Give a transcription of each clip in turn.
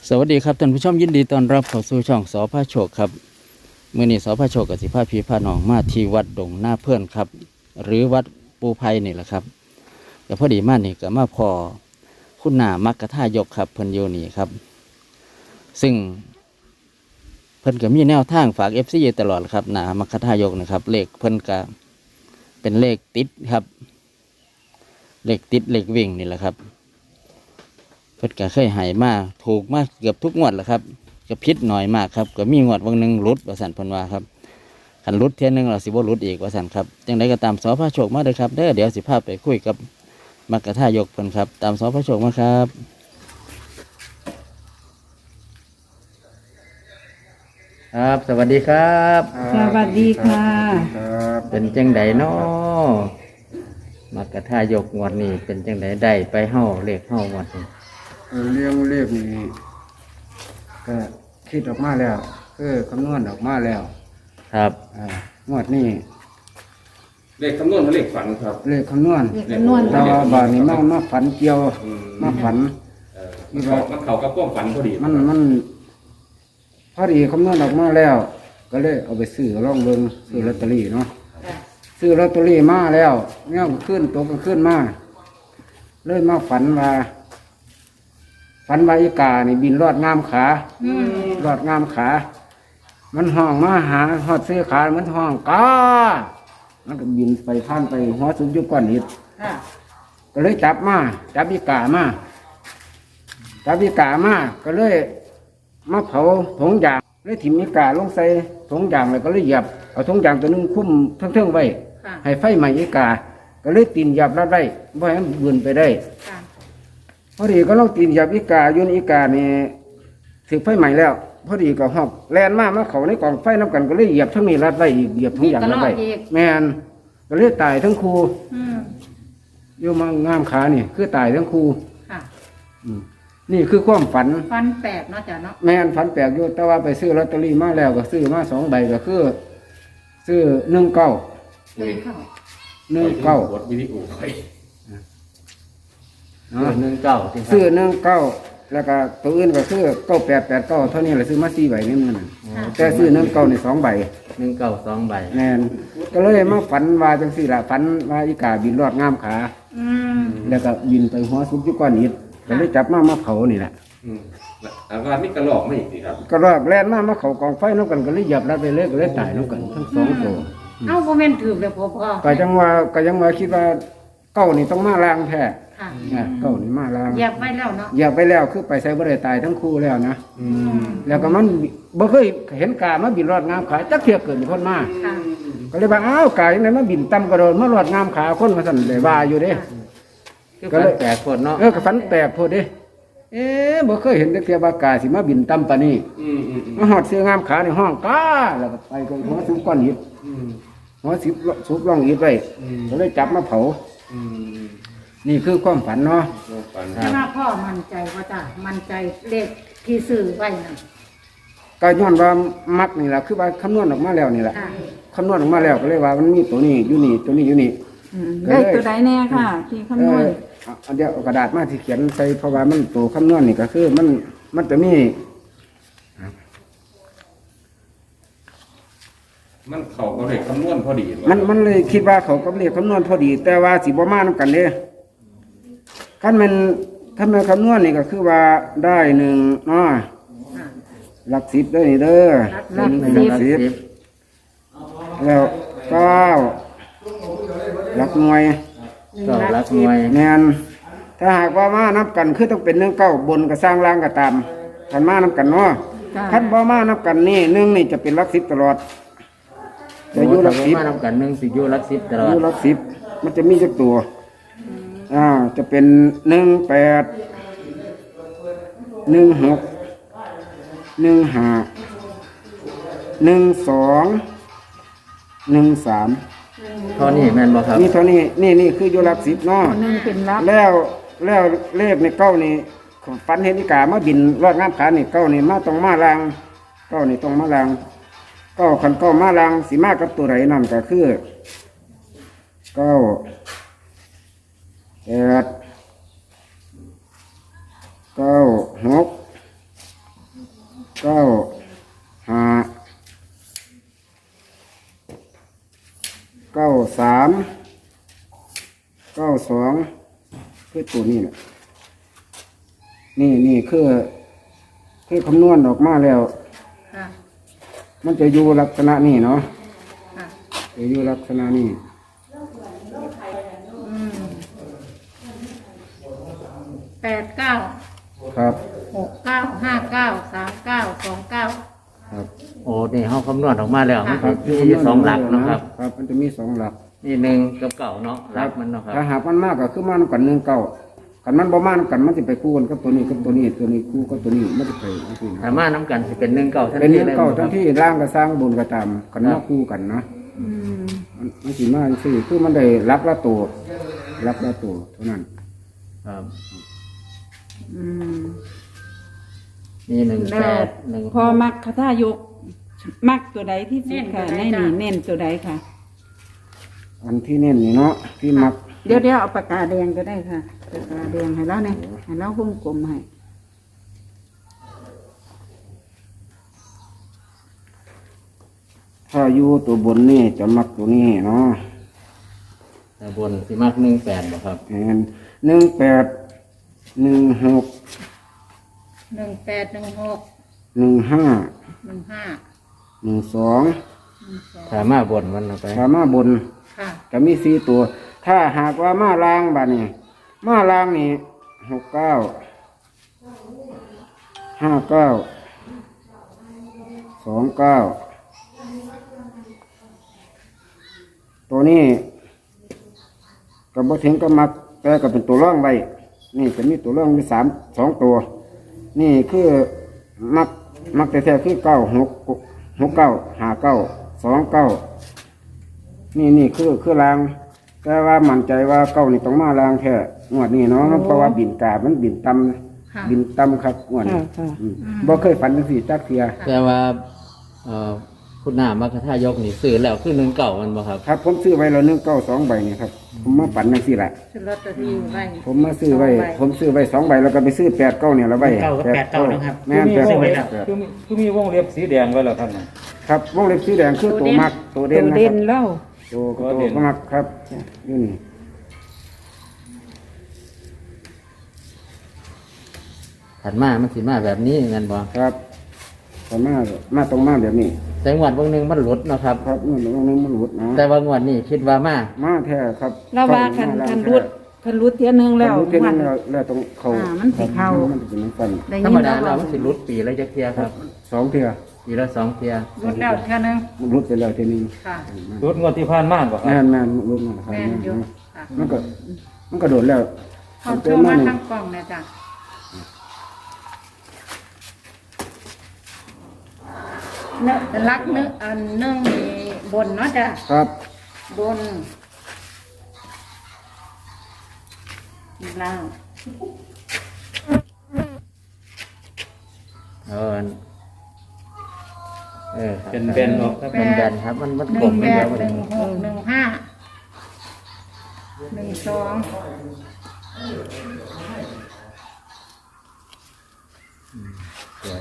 สวัสดีครับท่านผู้ชมยินดีต้อนรับเข้าสู่ช่องสพระโชคครับมื้อนี้สพระโชคกับสิพาพี่พาน้องมาที่วัดดงหน้าเพื่อนครับ หรือวัดปูไพนี่แหละครับแต่พอดีมานี่ก็มาพอคุณนามักกะท่ายกครับเพิ่นอยู่นี่ครับ ซึ่งเพิ่นก็มีแนวทางฝากFCตลอดครับนามักกะท่ายกนะครับเลขเพิ่นก็เป็นเลขติดครับเลขติดเลขวิ่งนี่แหละครับเพิ่นก็เคยใหายมาถูกมาเกือบทุกงวดแหละครับก็พิษหน่อยมากครับก็มีงวดวันหนึ่งรุดว่าสันเพิ่นว่าครับขันรุดเที่ยนึงเราสิบ่รุดอีกว่าสันครับจังไดก็ตามสพระโชคมาเลยครับเดี๋ยวสิพาไปคุยกับมักกะท่ายกเพิ่นครับตามสพระโชคมาครับครับ สวัสดีครับสวัสดีค่ะเป็นจังไดน้อมักกะท่ายกงวดนี้เป็นจังไดได้ไปเฮาเลขเฮางวดนี้เรื่องเลขนี่ก็คิดออกมาแล้วคือคำนวณออกมาแล้วครับงวดนี้เลขคำนวณกับเลขฝันครับเลขคำนวณเลขคำนวณแต่ว่าบาทนี้มาฝันเกี่ยวมาฝันมันเขากับความฝันพอดีมันพอดีคำนวณออกมาแล้ว ก็เลยเอาไปซื้อลองเบิ่งซื้อลอตเตอรี่เนาะซื้อลอตเตอรี่มาแล้วเนี่ยก็ขึ้นตัวก็ขึ้นมาเลยมาฝันว่าอีกานี่บินรอดงามขารอดงามขา มันห้องมาหาหอดเสื้อขามันห้องกามันก็บินไปผ่านไปหัวสุกยุบก้อนหินค่ะก็เลยจับอีกามาก็เลยมาเผาถงยางเลยถิ่มอีกาลงใส่ถงยางแล้วก็เลยเหยียบเอาถงยางตัวนึงคุ้มเทิงๆไว้ค่ะให้ไฟไหม้อีกาก็เลยตีนเหยียบรัดได้บ่ให้มันบืนไปได้ค่ะพอดีก็ต้องตีนเหยียบอีกาโยนอีกานี่ถึงไฟใหม่แล้ว พอดีก็หอบแลนมาเขาในกองไฟน้ำกันก็เลยเหยียบทั้งนี้รัดไว้อีกเหยียบทั้งอย่างรัดไว้แมนก็เลยตายทั้งครูอืมอยู่มางามขานี่คือตายทั้งครูค่ะอืมนี่คือความฝันฟันแปดเนาะจ้ะเนาะแมนฝันแปลกอยู่แต่ว่าไปซื้อลอตเตอรี่มาแล้วก็ซื้อมา2 ใบก็คือ ซื้อ19 เลขเข้ากดวิดีโอไปเนาะ 19 ซื้อ19แล้วก็ตัวอื่นก็คือ9889เท่านี้แหละซื้อมา4 ใบนี่มันน่ะแต่ซื้อ19นี่2 ใบ 2 ใบแม่นก็เลยมาฝันว่าจังสี่ละฝันว่าอีกาบินรอดงามขาอืมแล้วก็บินไปหัวซุกอยู่ก้อนอิฐก็เลยจับมาเผานี่แหละแล้วก็นี่กระหลอกไม่อีกสิครับก็รอดแล่นมาเขากองไฟน้ำกันก็เลยเหยียบแล้วไปเลยก็เลยตายน้ำกันทั้ง2 ตัวเอ้าโมเมนต์ถือเลยพ่อก็ยังว่าคิดว่าเก้านี่ต้องมาล้างแท้ค่ะเก้านี่มาล้างเหยียบไว้แล้วเนาะเหยียบไปแล้วคือไปใส่บ่ได้ตายทั้งคู่แล้วนะอืมแล้วก็มันบ่เคยเห็นกามาบินรอดงามขาจักเทียบเกิดคนมาค่ะก็เลยว่าอ้าวกายังไงมาบินต่ำกระโดดมารอดงามขาคนมาสั่นได้ว่าอยู่เด้ก็เลยแปลกคนเนาะก็ฝันแปลกโพดเด้บ่เคยเห็นจักเทียบากาสิมาบินต่ำปานนี้มาหอดเสื้องามขาในห้องกาแล้วก็ไปก็หัวซุปก้อนหินหัวสิบซุปร่องหินไว้ก็เลยจับมาเผา นี่คือความฝันเนาะฝันแต่ว่าพ่อมั่นใจว่าจ้ะมั่นใจเลขที่ซื้อไว้นั่นก็ย้อนว่ามักนี่แหละคือว่าคำนวณออกมาแล้วนี่แหละค่ะคำนวณออกมาแล้วก็เลยว่ามันมีตัวนี้อยู่นี่ตัวนี้อยู่นี่ได้ตัวใดแน่ค่ะ ที่คำนวณเอาเดี๋ยวเอากระดาษมาที่เขียนใส่เพราะว่ามันตัวคำนวณนี่ก็คือมันจะมีมันเขาก็เลขคำนวณพอดีมันเลยคิดว่าเขาก็เรียกคำนวณพอดี แต่ว่าสิบ่มานํกันเด้คันมันคำนวณนี่ก็คือว่าได้1เนาะค่ะหลัก10ได้นี่เด้อหลักหลัก10แล้ว9หลักหน่วยก็รักหน่วยแม่นถ้าหากว่ามานับกันคือต้องเป็น19บนกับสร้างล่างก็ตามคันมานับกันเนาะคันบ่มานับกันนี่1นี่จะเป็นหลัก10ตลอดจะอยู่หลัก10 มานำกัน1สิอยู่หลัก10ตลออดยู่หลัก10มันจะมีจักตัวจะเป็น18 16 15 12 13 เท่านี้แม่นบ่ครับนี่เท่านี้นี่คืออยู่หลัก10เนาะหนึ่งเป็นรับแล้วเลขในเก้านี่ฝันเห็นอีกามาบินรอดน้ำขานี่เก้านี่มาต้องมาลางเก้านี่ต้องมาลางเก้าขันเก้ามาลางสีมากับตัวไหนนั่นก็คือเก้า8 9 6 92คือตัวนี้แหละนี่คือคำนวณออกมาแล้วค่ะมันจะอยู่ลักษณะนี้เนาะค่ะจะอยู่ลักษณะนี้ 89 ครับ 69 59 39 29 ครับโอ้นี่เฮาคำนวณออกมาแล้วมันครับมีอยู่สองหลักเนาะครับครับมันจะมีสองหลักนี่หนึ่งกับเก่าเนาะหลักมันเนาะครับถ้าหากมันมากก็คือมานำกัน1 9กันมันบ่มานำกันมันจะไปคู่กันกับตัวนี้กับตัวนี้ตัวนี้คู่กับตัวนี้มันจะไปจังซี่นะถ้ามาน้ำกันสิเป็นหนึ่งเก่าทันเป็นที 1 เลย 9ทั้งที่ร่างก็สร้างบุญก็ตามกันมาคู่กันนะอืมมันสิมาจังซี่คือมันได้รักละตัวรักละตัวเท่านั้นครับอืมมีหนึ่งแล้แปวดหนึ่งพอมักคาถายก มักตัวใดที่สุดค่ะในนี่เน้นตัวใดค่ะอันที่เน้นนี่เนาะที่มักเดี๋ยวเอาปากกาแดงก็ได้ค่ะปากกาแดงให้แล้วเนี่ยให้แล้ววงกลมให้ถ้าอยู่ตัวบนนี่จะมักตัวนี้เนาะแต่บนสิมักหนึ่งแปดบ่ครับแอน18 16 18 16 15 15 12 ถ้ามาบนมันเอาไปถ้ามาบนค่ะจะมี4ตัว ถ้าหากว่ามาลางบัดนี้มาลางนี่69 59 29ตัวนี้ก็บ่ถึงก็มักแต่ก็เป็นตัวร่องไว้นี่จะมีตัวร่องมี2ตัว นี่คือมักแท้ๆคือ9 6 9 59 29 นี่คือราง แต่ว่ามั่นใจว่าเก้านี่ต้องมารางแท้งวดนี้เนาะเพราะว่าบินกาบมันบินต่ค่ะำบินต่ำครับงวดนี้บ่เคยฝันจังซี่จักเที่ยแต่ว่าคุณหน้ามัคคทายกนี่ซื้อแล้วคือหนึ่งเก่ามันบ่ครับครับผมซื้อไว้แล้ว192ใบนี่ครับผมมาฝันจังซี่แหละซื้อลอตเตอรี่ไว้ผมมาซื้อไว้ผมซื้อไว้2ใบแล้วก็ไปซื้อ89เนี่ยแล้วไว้เก้ากับ89นะครับแม่นคือมีวง 89 เล็บคือมีวงเล็บสีแดงไว้แล้วครับน่ะครับวงเล็บสีแดงคือตัวมักตัวเด่ตันวนะคเด่รับนเล่าตัวก็มักครับนี่ถัดมามันสิมาแบบนี้เงินบ่ครับแต่มาตรงมาแบบนี้แต่งวดบางหนึงมันหลุดเนาะครับครับเงินตรงนี้มันหลุดนะแต่ว่างวดนี้คิดว่ามามาแท้ครับเราว่าคันรุดเทียนึงแล้วรุดเท่าวันั้น นแล้วตรงเขามันสิเข้ามันจะเป็นน้ำฟันได้ธรยิรมนดาแล้วเรามันสิหลุดปีละจักเที่ยครับ 2เทื่อปีละสองเที่ยลดแล้วเท่านึงมันรุดไปแล้วทีนี้ค่ะรุดงวดที่ผ่านมาบ่ครับแม่นรุดมาครับแม่นอยู่ค่ะมันก็โดดแล้วเขาโทรมาทางกล่องนะจ๊ะเนื้อรักเนื้ออันนึ่งมีบนเนาะจ้ะครับบนล่างเป็นแบนออกครับเป็นแบนครับมันหกลนึ่มงไปแปแล้ดวหนึ่งหก15 12 สวย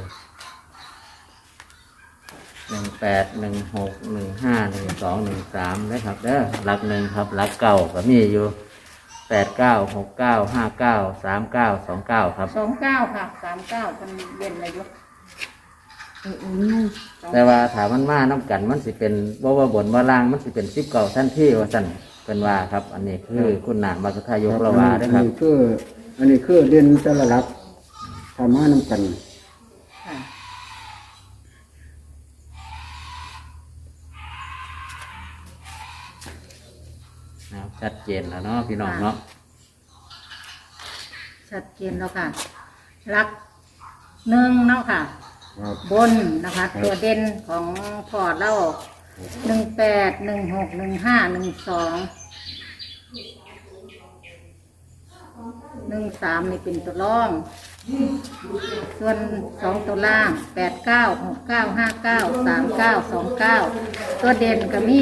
18 16 15 12 13นะครับหลักหนึ่งครับหลักเก่าก็มีอยู่89 69 59 39 29ครับ 29ค่ะ39มันเด่นอายุแต่ว่าถามมันมาน้ำกันมันสิเป็นว่าบนว่าล่างมันสิเป็นซิบเก่าท่านที่ว่าสั่นเป็นว่าครับ อันนี้คือคุณหนามาสุทายกระวาด้วยครับอันนี้คือเด่นแต่ละหลักทำมาน้ำกันค่ะนะครับชัดเจนแล้วเนาะพี่น้องเนาะชัดเจนแล้วค่ะรักหนึ่งเนาะค่ะครับบนนะคะ ตัวเด่นของพอร์ตเรา18 16 15 12 13นี่เป็นตัวร่องส่วน2ตัวล่าง89 69 59 39 29ตัวเด่นก็มี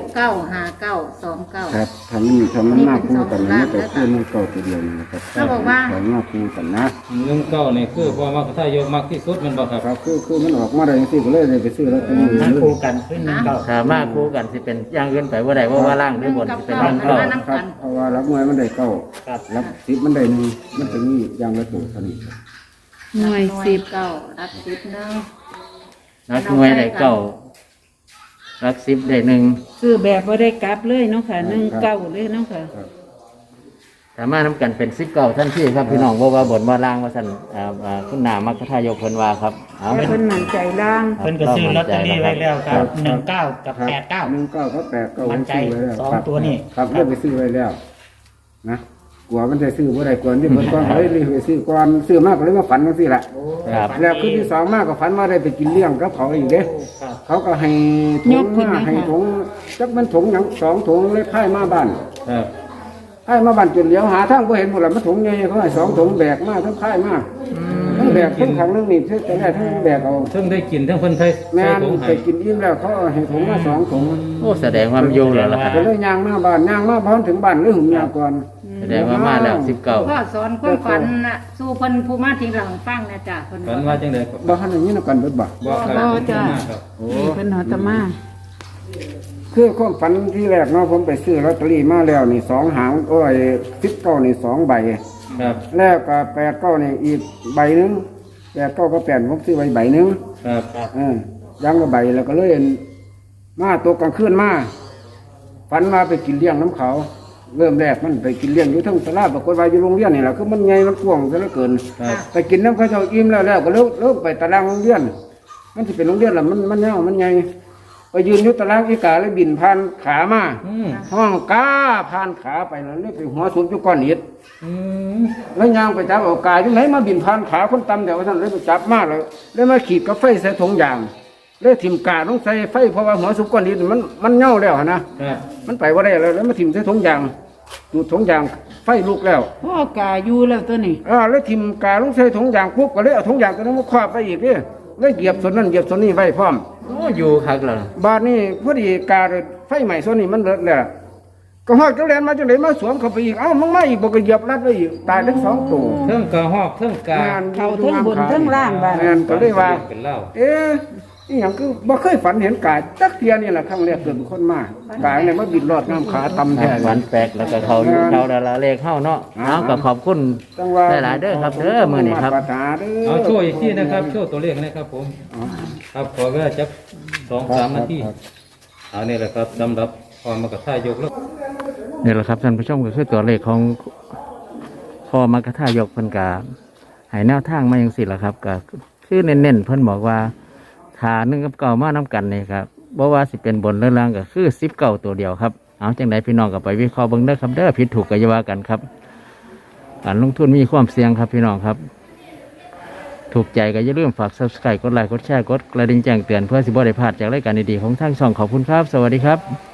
69 59 29 ครับทำมันมากคู่กันนะแต่คู่มันเก่าตัวเดียวนี่นะครับเขาบอกว่าสองมากคู่กันนะเรื่องเก้านี่คือพอมักถ้ายกมักที่สุดแมันบ่ครับครับคือมันออกมาได้ยังสิก็เลยไปซื้อแล้วตัวนี้นั่งคู่กันขึ้นหนึ่งเก้าถ้ามาคู่กันสิเป็นอย่างอื่นไปว่าใดว่าล่างหรือบนสิเป็นกัล่าบงเก้าเก้าน้ำครักับ นเพราะว่ารับมวยมันได้เก้าครับรับสิบมันได้หนึ่งมันถึงนี่อย่างละตัวเท่านี้ครับหน่วย 10 10 เก้ารับ10นึงนักมวยได้เก้ารักสิบได้หนึ่งซื้อแบบบ่ได้กลับเลยเนาะค่ะ1 9เลยเนาะค่ะสามารถนำกันเป็นสิบเก้าท่านที่ครับพี่น้องว่าว่าบนว่าล่างว่าสั่นคุณนามักคทายกเพิ่นว่าครับเอาแต่เป็นเพิ่นมั่นใจล่างเพิ่นก็ซื้อลอตเตอรี่ไว้แล้วครับ19กับครับ 89 19กับ89 มั่นใจซื้อไว้แล้วสองตัวนี่ครับเลือกไปซื้อไว้แล้วนะกลัวมันจะซื้อบ่ได้กลัวที่เพิ่นก่อนเลยไปซื้อก่อนซื้อมากก็เลยมาฝันจังซี่ล่ะครับแล้วคืนที่สองมากก็ฝันว่าได้ไปกินเลี้ยงกับเขาอีกเด้ครับเขาก็ให้ถุงมาให้ถุงจักมันถุงหยัง2ถุงเลยพายมาบ้านครับพายมาบ้านจนเลี้ยวหาทางบ่เห็นหมดละมันถุงใหญ่เขาให้2ถุงแบกมาทั้งพายมาทั้งแบกทั้งขังทั้งนี่แต่แรกทั้งแบกเอาเพิ่งได้กินทั้งเพิ่นใส่แม่นถุงไปให้กินอิ่มแล้วเขาให้ถุงมา2ถุงโอ้แสดงว่ามันอยู่แล้วล่ะครับก็เลยย่างมาบ้านย่างมาพร้อมถึงบ้านเลยหุ่มยาก่อนแสดงว่ามาแล้วสิบเก้าพ่อสอนความฝันน่ะสู่เพิ่นผู้มาทีหลังฟังนะจ้ะเพิ่นฝันว่าจังได๋ครับบ่ทันอย่างนี้นะกันเบิดบ่บ่ครับบ่จ้ะครับนี่เพิ่นหอตมาคือความฝันที่แรกเนาะผมไปซื้อลอตเตอรี่มาแล้วนี่2หางโอ้ย19นี่2ใบครับแล้วก็89นี่อีกใบหนึง89ก็8ผมซื้อไว้ใบหนึงครับยังละใบแล้วก็เลยมาตกกลางคืนมาฝันมาไปกินเลี้ยงน้ำเขา เริ่มแรกมันไปกินเลี้ยงอยู่ทั้งตลาดปรากฏว่าอยู่โรงเรียนนี่แหละคือมันใหญ่มันกว้างซะเหลือเกินครับไปกินน้ำเขาเจ้าอิ่มแล้วก็เลิกไปตารางโรงเรียน มันจะเป็นโรงเรียนละมันยาวมันใหญ่ไปยืนอยู่ตารางอีกาเลยบินผ่านขามาอืมห้องก้าผ่านขาไปแล้วเลยไปหัวสุดอยู่ก้อนหินอืมแล้วยางไปจับเอากายที่ไหนมาบินผ่านขาคนตำแต่ว่าท่านเลยไปจับมาเลยมาขีดกับไฟใส่ถุงยางเลยถิ่มกาต้องใส่ไฟเพราะว่าหัวสุดก้อนหินมันเน่าแล้วนะครับ มันไปว่าได้แล้วมาถิ่มใส่ถุงยางดูดถุงยางไฟลุกแล้วพ่อกาอยู่แล้วตัวนี้แล้วถิ่มกาต้องใส่ถุงยางปุ๊บก็เลยเอาถุงยางตัวนั้นมาครอบไปอีกเนี่ยเลยเหยียบส่วนนั้นเหยียบส่วนนี้ไว้พร้อมโอ้อยู่คักแล้วบาดนี้พอดีกาไฟใหม่ส่วนนี้มันเลิกแล้วก็ฮอดก็แลนมาจังไดมาสวมเข้าไปอีกเอ้ามันไม่อีกบ่ก็เหยียบรัดไว้อีกตายทั้งสองตัวเทิงกระหอกเทิงกาเขาเทั้งบนเทั้งล่างบ้านแม่นก็เลยว่าเป็นเหล้าอีหยังคือบ่เคยฝันเห็นกายจักเทียนี่แหละครั้งแรกเกิดเป็นคนมากกายเนี่ยมาบินรอดน้ำขาตำแท้ฝันแปลกแล้วก็เขาอยู่เขาดาราเลขเข้าเนาะเอาก็ขอบคุณจังว่าหลายๆเด้อครับเด้อมื้อนี้ครับมาตราเด้อเอาโชว์อีกทีนะครับโชว์ตัวเลขนะครับผม ครับขอเวลาจัก2-3 นาทีเอานี่แหละครับสำหรับพอมากระท่ายกแล้วนี่แหละครับท่านผู้ชมก็คือตัวเลขของพ่อมกทายกเพิ่นกาให้แนวทางมาอย่างสิล่ะครับก็คือเน้นๆเพิ่นบอกว่าฐาน1กับ9มานํกันนี่ครับบ่ว่าสิเป็นบนหรือล่างก็คือ19ตัวเดียวครับเอาจังไดพี่น้องก็ไปวิเคราะห์เบิ่งเด้อครับเด้อผิดถูกก็อย่าว่ากันครับการลงทุนมีความเสี่ยงครับพี่น้องครับ ถูกใจก็อย่าลืมฝาก Subscribe กดไลค์กดแชร์กดกระดิ่งแจ้งเตือนเพื่อสิบ่ได้พลาดจากรายการดีๆของทางช่องขอบคุณครับสวัสดีครับ